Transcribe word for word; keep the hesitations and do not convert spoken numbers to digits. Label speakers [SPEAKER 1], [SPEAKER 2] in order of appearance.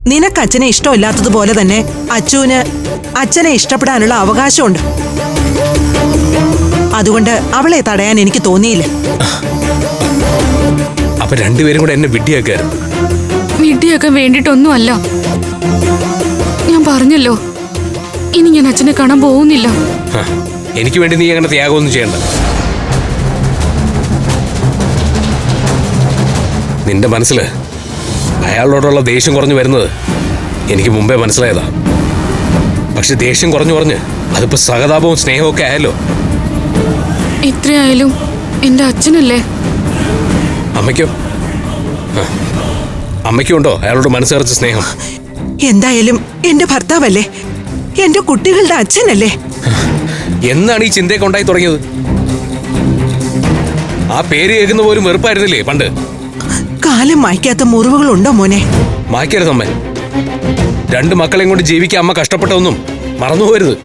[SPEAKER 1] നിനക്ക് അച്ഛനെ ഇഷ്ടമില്ലാത്തതുപോലെ തന്നെ അച്ചുവിന് അച്ഛനെ ഇഷ്ടപ്പെടാനുള്ള അവകാശമുണ്ട്. അതുകൊണ്ട് അവളെ തടയാൻ എനിക്ക് തോന്നിയില്ല.
[SPEAKER 2] അപ്പൊ രണ്ടുപേരും കൂടെ എന്നെ വിഡ്ഢിയാക്കായിരുന്നു.
[SPEAKER 3] വിഡ്ഢിയാക്കാൻ വേണ്ടിട്ടൊന്നും അല്ല. ഞാൻ പറഞ്ഞല്ലോ, ഇനി ഞാൻ അച്ഛനെ കാണാൻ പോകുന്നില്ല.
[SPEAKER 2] എനിക്ക് വേണ്ടി നീ അങ്ങനെ ത്യാഗമൊന്നും ചെയ്യണ്ട. നിന്റെ മനസ്സില് അയാളോടുള്ള ദേഷ്യം കുറഞ്ഞു വരുന്നത് എനിക്ക് മുമ്പേ മനസ്സിലായതാ. പക്ഷെ ദേഷ്യം കുറഞ്ഞു കുറഞ്ഞ് അതിപ്പോ സഹതാപവും സ്നേഹവും ഒക്കെ ആയല്ലോ.
[SPEAKER 3] എത്രയായാലും എന്റെ അച്ഛനല്ലേ.
[SPEAKER 2] അമ്മയ്ക്കോ? അമ്മയ്ക്കുണ്ടോ അയാളോട് മനസ്സ് നിറച്ച സ്നേഹം?
[SPEAKER 1] എന്തായാലും എന്റെ ഭർത്താവല്ലേ, എന്റെ കുട്ടികളുടെ അച്ഛനല്ലേ.
[SPEAKER 2] എന്നാണ് ഈ ചിന്തയൊക്കെ ഉണ്ടായി തുടങ്ങിയത്? ആ പേര് കേൾക്കുന്ന പോലും വെറുപ്പായിരുന്നില്ലേ പണ്ട്?
[SPEAKER 1] കാലം മായ്ക്കാത്ത മുറിവുകളുണ്ടോ മോനെ?
[SPEAKER 2] മായ്ക്കരുത് അമ്മ. രണ്ട് മക്കളെയും കൊണ്ട് ജീവിക്കാൻ അമ്മ കഷ്ടപ്പെട്ടൊന്നും മറന്നുപോകരുത്.